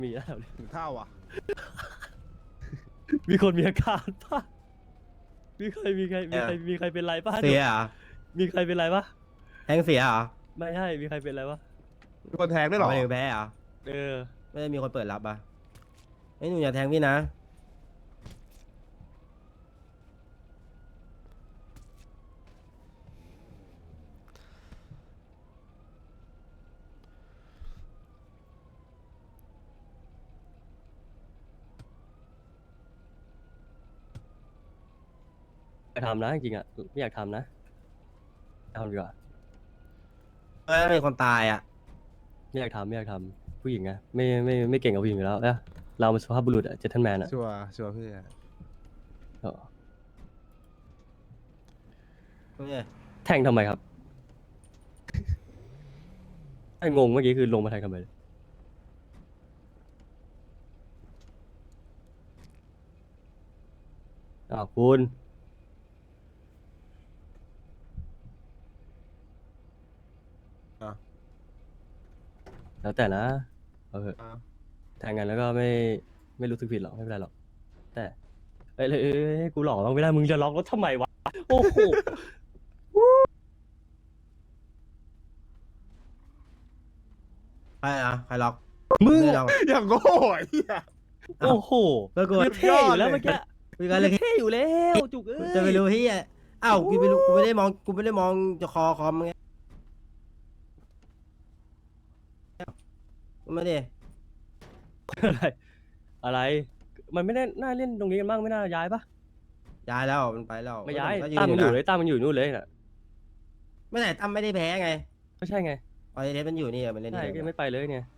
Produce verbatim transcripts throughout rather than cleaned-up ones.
มีแล้วถึงเท่าอ่ะมีคนมีอาการป่ะมีใครมีใครมีใครมีใครเป็นไรป่ะเสียเหรอมีใครเป็นไรป่ะแทงเสียเหรอไม่ใช่มีใครเป็นไรป่ะมีคนแทงด้วยเหรอไม่ถึงแพ้เหรอเออไม่ได้มีคนเปิดรับอ่ะไอ้ยหนูอย่าแทงพี่นะไปทำนะจริงๆอ่ะไม่อยากทำนะทำดีกว่าเอ้ยมีคนตายอ่ะไม่อยากทำไม่อยากทำผู้หญิงไงไม่ไม่ไม่เก่งกับผู้หญิงอยู่แล้วนะเราเป็นสุภาพบุรุษอะเจนทันแมนอะชัวร์ชัวร์พี่เออเนี่ยแทงทำไมครับ ไอ้งงเมื่อกี้คือลงมาแทงทำไมอ้าวคุณแล้วแต่นะเอาเถอะอ่ะแทงกันแล้วก็ไม่ไม่รู้สึกผิดหรอกไม่เป็นไรหรอกแต่เอ้ยเอ้ยเอ้ยเอ้ยกูหลอกเราไม่ได้มึงจะล็อกรถทำไมวะโอ้โหใครอ่ะใครล็อกมึงไได้อะล็อกอย่างโง่ไอ้เหี้ยโอ้โหก็กูคือเท่อยู่แล้วเมื่อกี้คุยกันเลยเท่อยู่แล้วจุกเอ้ยจะไปรู้ที่อ้าวกูไม่รู้กูไม่ได้มองกูไม่ได้มองจะคอคอมไงไม่ได้อะไรอะไร มันไม่ได้น่าเล่นตรงนี้กันบ้างไม่น่าย้ายปะย้ายแล้วมันไปแล้วไม่ย้ายก็ตั้มมันอยู่นะเลยตั้มมันอยู่นู่นเลยน่ะไม่ไหนตั้มไม่ได้แพ้ไงก็ใช่ไงออเดสมันอยู่นี่มันเล่นใช่นี่ก็ยังไม่ไปเลยเนี่ย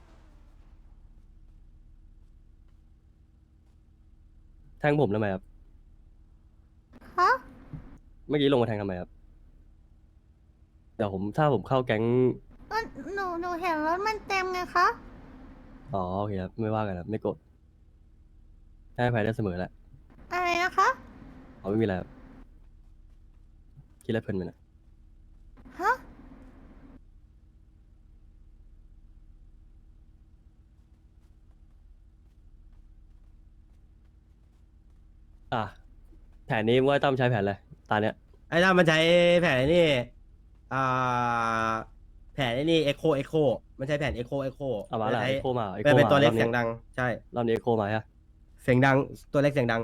แทงผมทำไมครับฮะเมื่อกี้ลงมาแทงทำไมครับเดี๋ยวผมถ้าผมเข้าแก๊งก็หนูหนูเห็นรถมันเต็มไงคะอ๋อโอเคครับไม่ว่ากันครับไม่โกรธให้อภัยได้เสมอแหละอะไรนะคะอ๋อไม่มีอะไรครับคิดอะไรเพลินไปนะฮะอ่ะแผนนี้ว่าตั้มใช้แผนอะไรตาเนี้ยไอ้ตั้มมันใช้แผนนี่อ่าแผนนี่เอ็กโคเอ็กโคมันใช้แผนเอ็กโคเอ็กโคเอามาละเอโคมาเอโคเป็นเป็นมาตัวเล็กรอบเสีนี้ยงดังใช่รอบนี้เอโคมาฮะเสียงดังตัวเล็กเสียงดัง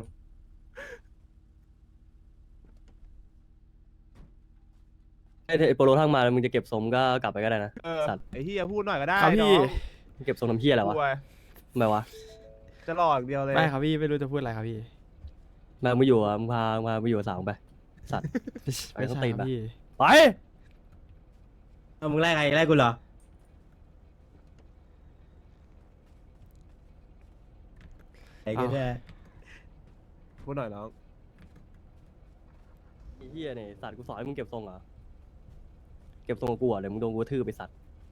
ไอ้ไอ้โปโลทั้งมาแล้วมึงจะเก็บสมก็กลับไปก็ได้นะเออสัตว์ไอ้เหี้ยพูดหน่อยก็ได้ครับพี่น้องมึงเก็บสมน้ำเพี้ยอะไรวะกลัวทำไมวะจะหลอกเดียวเลยไม่ครับพี่ไม่รู้จะพูดอะไรครับพี่มามึงอยู่อ่ะมึงพามามึงอยู่กับสาวมึงไปสัตว์ ไปไม่ต้องใช่ตีคน รับปะพี่ไปเอามึงไล่ใครไล่กูเหรอไอ้กูแค่พูดหน่อยน้องไอ้เหี้ยเนี่ยสัตว์กูสอนให้มึงเก็บทรงเหรอเก็บทรงกับกูเหรอ่ะเดี๋ยวมึงโดนกูกระทืบไปสัตว์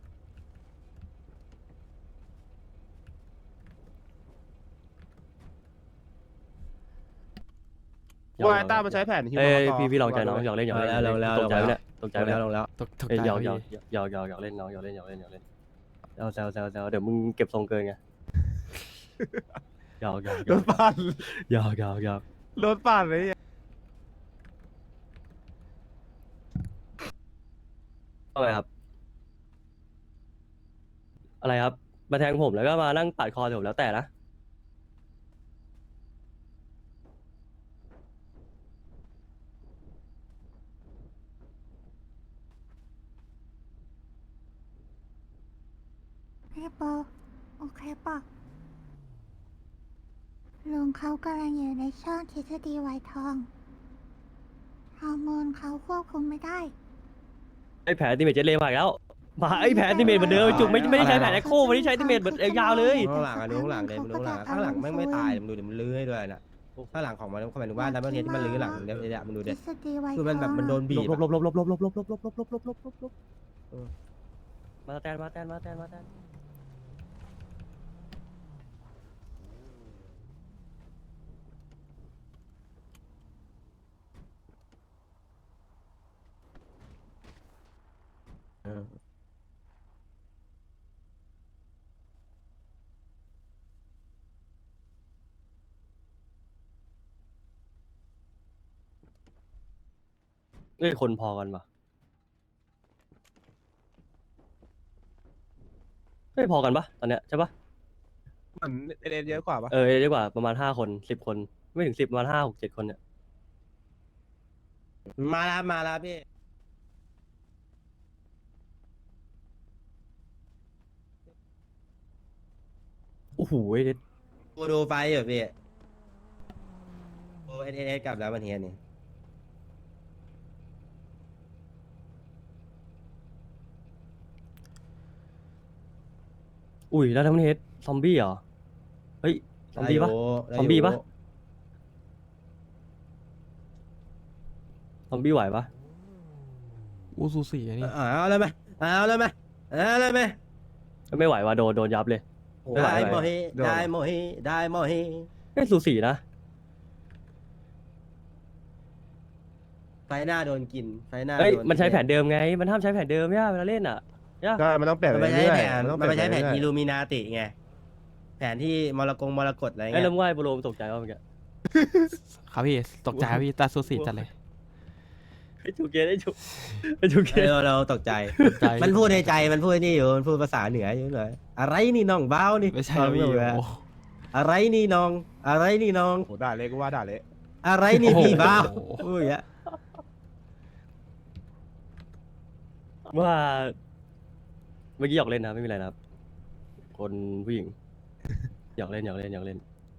ว่าไอ้ต้ามันใช้แผนฮิวเอ้ยมาต่พี่พี่ลองใจน้องหยอกเล่นหยอกเล่นแล้วแล้วตกใจไหมเนี่ยตกใจลงไหมแล้วเนี่ยลงแล้วตกตกเอ้ยใจหยอกคหยรัอบ กพี่หยอกหยอกหยอกเล่นน้องหยอกเล่นหยอกเล่นหยอกเล่นเอาแซวแซวแซวเดี๋ยวมึงเก็บทรงเกินไงหยอกหยอกหยรอกถปั่นหยอกหยอกหยอกรถปั่นเลยว่าไงครับ อะไรครับ มาแทงผมแล้วก็มานั่งปาดคอผมแล้วแต่นะพี่โปโอเคปะลุงเขากำลังอยู่ในช่องทฤษฎีไวท์ทองฮอร์โมนเขาควบคุมไม่ได้ไอ้แผลติเมตเจเลมาอีกแล้วมาไอ้แผลติเมตเหมือนเดิมจุกไม่ไม่ได้ใช้แผลแอคโควันนี้ใช้ติเมตเหมือนยาวเลยข้างหลังอ่ะดูข้างหลังเลยดูข้างหลังข้างหลังแม่งไม่ตายมึงดูเดี๋ยวมันลื้อให้ด้วยนะข้างหลังของมันเขาหมายถึงว่าดับเบิลเฮดที่มันลื้อหลังเดี๋ยวเดี๋ยวมึงดูทเด็ฤษฎีไวท์ทองคือมันแบบมันโดนบีลบบลบลบลบลบลบลบลบลบลบลบลบลบลบลบมาแตนมาแตนมาแตนมาแตนอ้ยคนพอกันปะเฮ้ยพอกันปะตอนเนี้ยใช่ปะเหมือนเอเดนเยอะกว่าปะเออเรียกว่าประมาณห้าคนสิบคน ไม่ถึงสิบประมาณห้าหกเจ็ดคนเนี่ยมาแล้วมาแล้วพี่โอ้โหเด็ดกูดูไฟอยู่พี่โอเอสเอสกลับแล้ววันเฮียนี่อุ้ยแล้วทั้งประเทศซอมบี้เหรอ เฮ้ย ซอมบี้ปะได้ยู่ซอมบี้ปะได้ยู่ซอมบี้ไหวปะอูซูสีอันนี้เอาเลยไหมเอาเลยไหมเอาเลยไหมไม่ไหวว่ะโดนโดนยับเลย ไม่ไหวได้ไม่โมไหวฮิได้โมฮิได้โมฮิเฮ้ยสูสีนะไฟหน้าโดนกินไฟหน้าเฮ้ยโดมันใช้แผนเดิมไง มันห้ามใช้แผนเดิมเนี่ยเวลาเล่นอ่ะเนี่ยใช่มันต้องเปลี่ยนมันไปไม่ใช้เรื่อยแผนๆต้องมันไม่ใช้แผนเปลี่อิยลูมินาติไงแผนที่มรกงมรกตอะไรไอ้เงี้ยเริ่มว่ายโปรโลมตกใจว่าเมื่อกี้ครับพี่ตกใจครับพี่ตาซูสีจัดเลยไอ้จูเกตไอ้จูไอ้จูเกเอตอเราตกใจตกใจมันพูดในใจมันพูดนี่อยู่มันพูดภาษาเหนืออยู่เลยอะไรนี่น้องเบ้านี่ไม่ใช่ฟันะงพี่อยู่โอ้อะอะไรนี่น้อง อะไรนี่น้องโอ้โหด่าเละก็ว่าด่าเละอะไรนี่พี่เบ้าโอ้โหพูดอย่างเงี้ยว่าเมื่อกี้หยอกเล่นนะไม่มีอะไรนะครับ คนผู้หญิงหยอกเล่นหยอกเล่นหยอกเล่น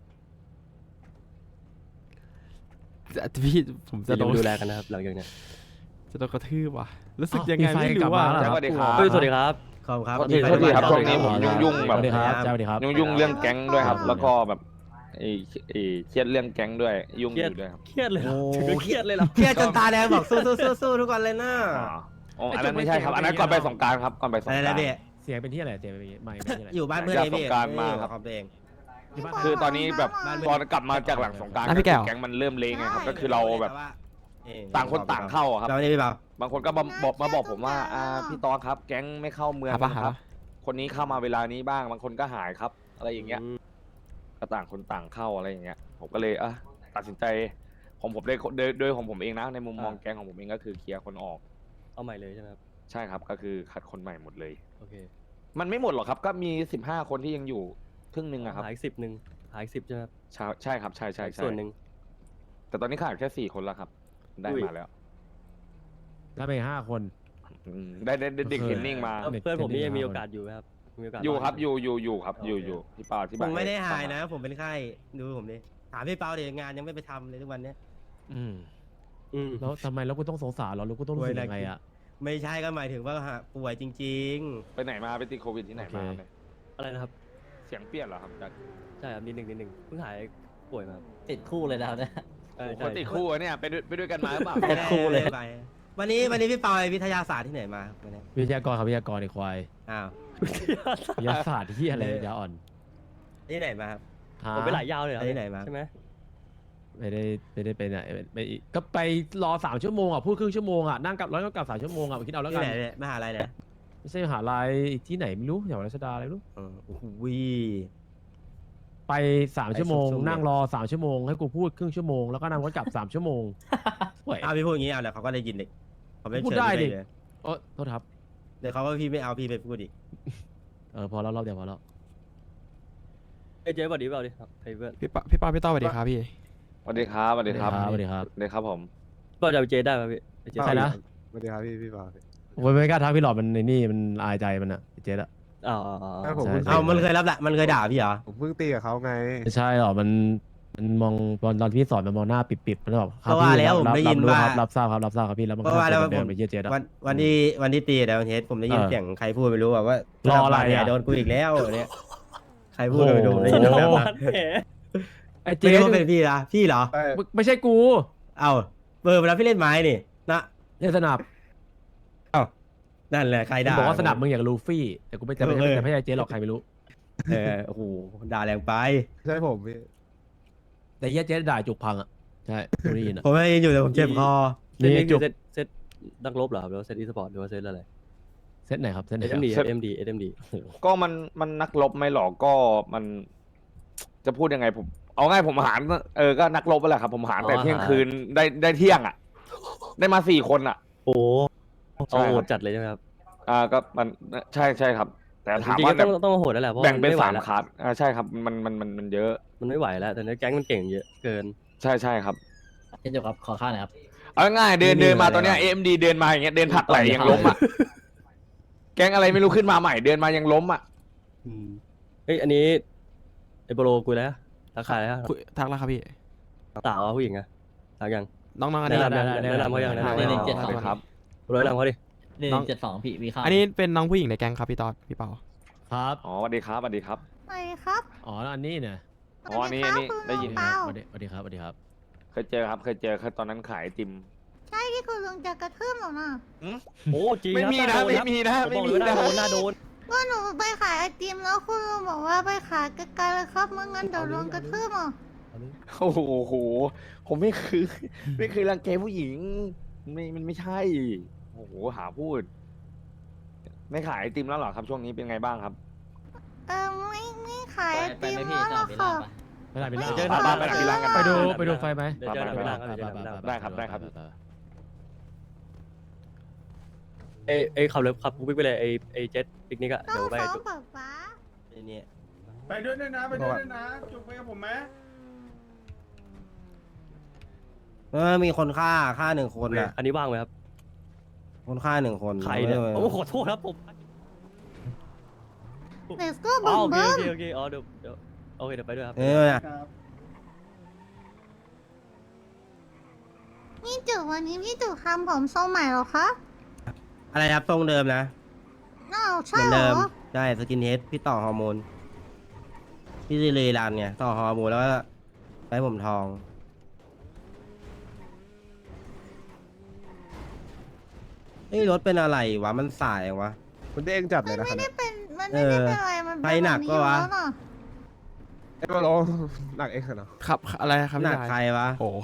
แต่พี่ผมจะจะโดนดูแลกันนะครับ หลังจากเนี้ยจะโดนกระทืบว่ะรู้สึกอ้าวยังไงมีไฟไม่กลัรู้บว่ามาแล้วเหรอสวัสดีครับเฮ้ยสวัสดีครับขอบคุณครับโทษทีโทษทีครับขอช่วโทงษนี้ผมยุ่งๆแบบสวัสดีครับสวัสดีครับยุ่งๆเรื่องแก๊งด้วยครับ แล้วก็แบบไอ้ไอ้เครียดเรื่องแก๊งด้วยยุ่งเคอรียดยู่ด้วยครับเครียดเลยเหรอโอ้ถึงกับเครียดเลยเหรอเครียดจนตาแดงบอกสู้สู้สู้สู้ทุกคนเลยนะอ๋ออ๋ออันนั้นไม่ใช่ครับ อันนั้นก่อนไปสงกรารครับก่อนไปสงอะไรกรานะรพี่เสียงเป็นที่อะไรเสียงเป็นที่ไม่เป็นที่อะไรอยู่บ้านเพื่อนจากเองพี่สงกรานต์มาครับของตัวเองอยู่บ้านคือตอนนี้แบบบ้านตอนกลับมาจากหลังสงกรารอ่ะพี่แก้วแก๊งมันเริ่มเลงไงครับ ก็คือเราแบบเอ่อต่างคนต่างเข้าอะครับเราไม่ได้พี่เปล่าบางคนก็มาบอกมาบอกผมว่าอ่าพี่ตอนครับ แก๊งไม่เข้าเมืองหาปะนะหาครับปะคนนี้เข้ามาเวลานี้บ้าง บางคนก็หายครับ อะไรอย่างเงี้ย ก็ต่างคนต่างเข้าอะไรอย่างเงี้ย ผมก็เลยอ่ะตัดสินใจของผมโดยโดยโดยของผมเองนะ ในมุมมองอ่าแก๊งของผมเองก็คือเคลียร์คนออกเอาใหม่เลยใช่ไหมครับใช่ครับ ก็คือคัดคนใหม่หมดเลยโอเคมันไม่หมดหรอกครับ ก็มีสิบห้าคนที่ยังอยู่ครึ่งหนึ่งอะครับหายสิบหนึ่งหายสิบใช่ไหมครับใช่ใช่ครับ ใช่ใช่ใช่ส่วนหนึ่งแต่ตอนนี้ขาดแค่สี่คนแล้วครับ ได้อุ้ยมาแล้วแล้วไปห้าคนอืมได้ได้ได้เด็กโอเคเทรนนิ่งมาแล้วเด็กเพื่อนผมนี่เด็กยังมีห้าโอคนกาสอยู่ไหมครับมีโอกาสอยู่ครับดอยู่อยู่อยู่ครับ อยู่โอเคอยู่พี่ปาที่ผบ้านมไม่ได้หายฟังนะ ผมเป็นไข้ดูผมดิถามพี่เปาเดี๋ยวงานยังไม่ไปทำเลยทุกวันเนี้ยอืมอืมแล้วทำไมแล้วกูต้องสงสารเหราแล้วกูต้องรู้สึกยังไงอ่ะไม่ใช่ก็หมายถึงว่าหาป่วยจริงไปไหนมาไปติดโควิดที่ไหนมาโอเคเนี่ยอะไรนะครับเสียงเปลี่ยนเหรอครับจากใช่ครับนิดหนึ่งนิดหนึ่งเพิ่งหายป่วยมาครับติดคู่เลยนะครับเนี่ยเออคใช่นติดคู่อะเนี่ยไปด้วยไปด้วยกันมาหรือเปล่าๆไม่ได้คู่เลยไม่ได้ไปวันนี้วันนี้พี่เปาไปวิทยาศาสตร์ที่ไหนมาวันนี้วิทยากรครับวิทยากรไอ้ควายอ้าววิทยาศาสตร์ที่อะไรยาอ่อนที่ไหนมาครับหาผมไปหลายยาวเลยเหรอไปไหนมาใช่ไหมไม่ได้ไม่ได้ไปไหนไปอีกก็ไปรอสามชั่วโมงอ่ะพูดครึ่งชั่วโมงอ่ะนั่งกลับร้อยก็กลับสามชั่วโมงอ่ะคิดเอาแล้วที่กันไหนเนี่ยมหาลัยเนี่ยไม่ใช่มหาลัยอีกที่ไหนไม่รู้แถวรัชดาอะไรไม่รู้เออโอ้โหวิไปสามชั่วโมงไปสุดๆนั่งรอสามชั่วโมงให้กูพูดครึ่งชั่วโมงแล้วก็นั่งรถกลับสามชั่วโมงห่วยเอาพี่พูดอย่างนี้เอาเดี๋ยวเขาก็ได้ยินเด็กเขาไม่พูดเชิญได้พี่ดิเลยเออโทษครับเดี๋ยวเขาว่าพี่ไม่เอาพี่ไปพูดอีกเออพอแล้วรอบเดียวพอแล้วเอ้ยเจ๊สวัสดีเปล่าดิครับเฮ้ยเพื่อนพี่ปาพี่ปาพี่ต้อสวัสดีครับพี่สวัสดีครับสวัสดีครับสวัสดีครับสวัสดีครับผมก็จะไปเจ๊ได้ไหมพี่ไปเจ๊ใครนะสวัสดีครับพี่พี่ปาโอ้ยไม่กล้าทักพี่หลอดมันในนี่มันอายใจมันอะเจ๊อะอ้าวอ้าวอ้าวใช่ผมใช่เพิ่งเอามันเคยรับแหละมันเคยด่าพี่เหรอผมเพิ่งตีกับเขาไงไม่ใช่หรอกมันมันมองตอนตอนพี่สอนมันมองหน้าปิดๆมันแบบครับก็ว่าพี่แล้วรับผมได้รับยินรู้ว่าครับรับทราบครับรับทราบครับพี่แล้วมันก็ว่าแล้วเดิผนมไปเยี่ยเจ๊อะวันวันที่วันที่ตีแต่วันเทสผมได้ยินเออเสียงใครพูดไม่รู้อะว่ารออะไรอะโดนกูอีกแล้วเนี่ยใครพูดก็ไม่รู้โอ้โหได้สยินนแบบองนั้นวันแผลไอ้ไม่เจ๊รู้ว่าเป็นพี่นะพี่เหรอเอ้ยมึงไม่ใช่กูเอ้าเบอร์เวลาพี่เล่นไม้นี่นะเจ๊สนับนั่นแหละใครมึงด่าบอกว่าสนับมึงอย่างลูฟี่แต่กูไม่จะไม่เออจะไม่ใช่เจ๊หรอกใครไม่รู้เออโอ้โหด่าแรงไปใช่ผมพี่แต่เหี้ยเจ๊ด่าจุกพังอะใช่กูได้ยินอะผมไม่ได้ยินอยู่แต่ผมเจ็บคอเซตนี่นี้จุคืกอเซตเซตนักรบเหรอครับหรือว่าเซตอีสปอร์ตหรือว่าเซตอะไรเซตไหนครับเซตไหนเอ็ครัมบดีเซตเอ็มดีเอ็มดีก็มันมันนักรบไหมหรอก็มัน จะพูดยังไงผม เอาง่ายผมหารเออก็นักรบไปแหละครับ ผมหารแต่เที่ยงคืนได้ได้เที่ยงอ่ะได้มาสี่คนอ่ะโอ้โหใช่เอาครับโหดจัดเลยใช่ไหมครับอ่าก็มันใช่ใช่ครับ แต่ถามจริงว่าๆแบก็บต้องต้องโหดแล้วแหละเพราะแบ่งมันเป็นไม่ไหวสามแล้วคลาสอ่าใช่ครับมันมันมันมันเยอะมันไม่ไหวแล้วแต่ในแก๊งมันเก่งเยอะเกินใช่ใช่ครับเช่นเดียวครับขอค่าหน่อยครับเอาง่ายๆเดินไม่มีเดินมาอะไรตอนเนี้ยหรอกเอ็มดีเดินมาอย่างเงี้ยเดินผลักไหลต่อยยังเขาล้มอ่ะ แก๊งอะไรไม่รู้ขึ้นมาใหม่เดินมายังล้มอ่ะอืมเฮ้ยอันนี้ไอโปโลกูแล้วราคาแล้วคุยทักแล้วครับพี่สาวผู้หญิงอะทักยังน้องๆอันแนะนี้นำยังแนะนำเขายังแนะนำได้เขาได้ยังเจ็ดสองครับโปโลแนะนำเขาดิหนึ่น้องงเจ็ดสองพี่มีค่าอันนี้เป็นน้องผู้หญิงในแก๊งครับพี่ตอดพี่เปาครับอ๋อสวัสดีครับสวัสดีครับไปครับอ๋อแล้วอันนี้เนี่ยอ๋ออันนี้อันนี้ได้ยินเปล่าสวัสดีสวัสดีครับสวัสดีครับเคยเจอครับเคยเจอเคยตอนนั้นขายไอติมใช่ที่คุณลุงจะกระทืบหนูน่ะโอ้จริงไม่มีคนะรับไม่มีนะผมไม่บอกมีเลยว่าหน้านะโดนหน้าโดนว่าหนูไปขายไอติมแล้วคุณลุงบอกว่าไปขายไกลๆเลยครับเมื่องั้นเดี๋ยวลุงกระทืบอ่ะโอ้โหผมไม่คือ ไม่เคยรังแกผู้หญิงไม่มันไม่ใช่โอ้โหหาพูด ไม่ขายไอติมแล้วเหรอครับช่วงนี้เป็นไงบ้างครับเออไม่ไม่ขายไปไอไปติมไหม่พี่แล้วจะหรเอาอกไปล่าค่ะปะไปไหนไปล่าเจอหน้าบ้านไปหน้าบ้านกันไปดูไปไปดูไฟไหมเดี๋ยวเจอหน้าบ้านครับเดี๋ยวเจอหน้าบ้านได้ครับได้ครับไอไอขับรถขับปุ๊กปิ๊กไปเลยไอไอเจ็ตปิกนิกอะต้อเดี๋ยงวไปฟ้องป๊าป๊าไอ้เนี่ยไปด้วยด้วยนะไปด้วยด้วยนะจุกไปกับผมไหมเออมีคนฆ่าฆ่าหนึ่งคนอ่ะอันนี้ว่างไหมครับคนฆ่าหนึ่งคนใครเนี่ยออโอ้ขอโทษครับผมเด็กก็อ๋บึ้อมโอเคบึ้โอมเคโอเคอ๋อเดี๋ยวเดี๋ยวโอเคเดี๋ยวไปด้วยครับเออเนี่ยครับนี่จุกวันนี้พี่จุกทำผมทรงใหม่เหรอคะอะไรครับทรงเดิมนะอ้าวเหใช่มือนเหรเดิอมใช่สกินเฮดพี่ต่อฮอร์โมนพี่เลยรันเนี่ยต่อฮอร์โมนแล้วก็ไปผมทองเฮ้ยรถเป็นอะไรวะมันสายวะมันเด้งจัดเลยนะไม่คันได้เนี้ยเป็นมันไม่ได้เป็นอะไรมันไปหนักแบบปะวะอยู่แล้น่ไอ้โปโลหนักเองเหรอครับอะไรครับหนัพี่กชายใครวะโอ้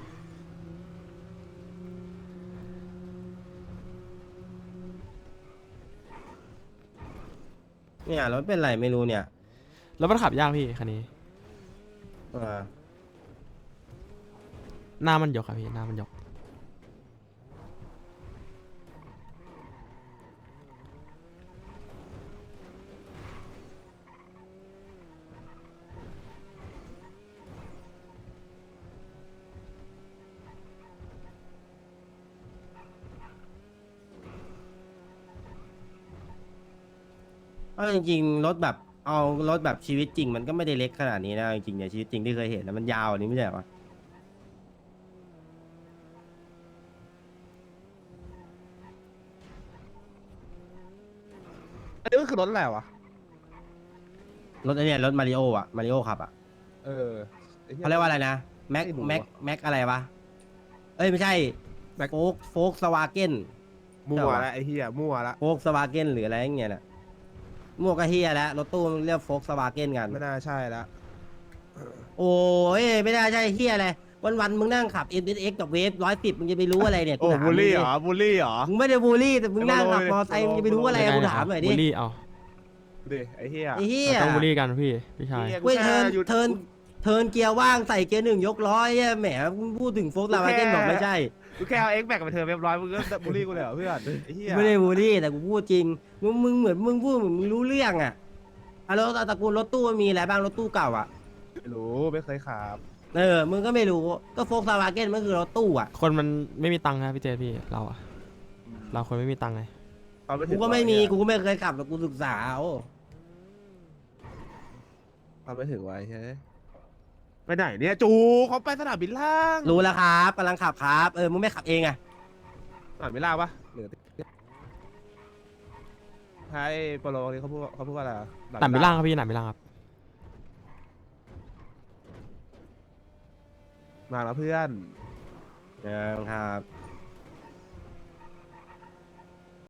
เนี่ยรถเป็นไรไม่รู้เนี่ยแล้วมันขับยากพี่คันนี้เออหน้ามันยกครับพี่หน้ามันยกเอาจริงๆรถแบบเอารถแบบชีวิตจริง มันก็ไม่ได้เล็กขนาดนี้นะจริงๆเนี่ยชีวิตจริงที่เคยเห็นนะมันยาวอันนี้ไม่ใช่เหรออันนี้ก็คือรถอะไรวะรถไอเนี่ยรถมาริโออะมาริโอขับอะเออไหี้เขาเรียกว่าอะไรนะแม็กไม่รู้แม็กว่ะแม็กอะไรวะเอ้ยไม่ใช่แม็กโฟกโฟกสวาเกนมั่ใช่ววะละไอ้เหี้ยมั่วละโฟกสวาเกนหรืออะไรอย่างเงี้ยน่ะมั่วกะเฮียแล้วรถตู้มันเรียกโฟกสวาเกนกันไม่น่าใช่ละโอ้ยไม่ได้ใช่เฮียอะไรวันวันๆมึงนั่งขับ เอ็ม เอส เอ็กซ์ กับเวฟร้อยสิบมึงจะไปรู้อะไรเนี่ยโอ้กูถามบูลลี่มึงเหรดิอบูลลี่เหรอมึงไม่ได้บูลลี่แต่มึงนั่งขับไอ้มโลอโลไซค์มึงจะไปรู้อะไรยังไงกูนะถามหน่อยดิบูลลี่เอาดูดิไอ้เหี้ยไอ้เฮียเราต้องบูลลี่กันพี่พี่ชายหี้เว้ยกูเทิร์นแค่หยุดเทิร์นเทิร์นเกียร์ว่างใส่เกียร์หนึ่งยกร้อยเหี้ยแหมมึงพูดถึงโฟกสวาเกนบอกไม่ใช่กูแค่เอาเอ็กแบกไปเธอเรียบร้อยมึงก็บูลลี่กูเลยเหรอเพื่อนไอ้เหี้ยไม่ได้บูลลี่แต่กูพูดจริงมึงมึงเหมือนมึงพูดเหมือนมึงรู้เรื่องอ่ะอะแล้วตระกูลรถตู้มันมีอะไรบ้างรถตู้เก่าอ่ะไม่รู้ไม่เคยขับเออมึงก็ไม่รู้ก็โฟกสวาเกนมันคือรถตู้อ่ะคนมันไม่มีตังค์นะพี่เจพี่เราอะเราคนไม่มีตังค์ไงเอาไปถึกูงก็ไม่มีร้อยอะกูก็ไม่เคยขับแต่กูศึกษาเอาเอาไปถึงไว้ใช่ไหมไปไหนเนี่ยจูเขาไปสนามบินล่างรู้แล้วครับกำลังขับครับเออมึงไม่ขับเองอ่ะสนามบินล่างปะหรือใช่โปโลนี่เขาพูดเขาพูดว่าอะไรอะหนามบิลล่างครับพี่หนามบิลล่างครับมาแล้วเพื่อนเออครับ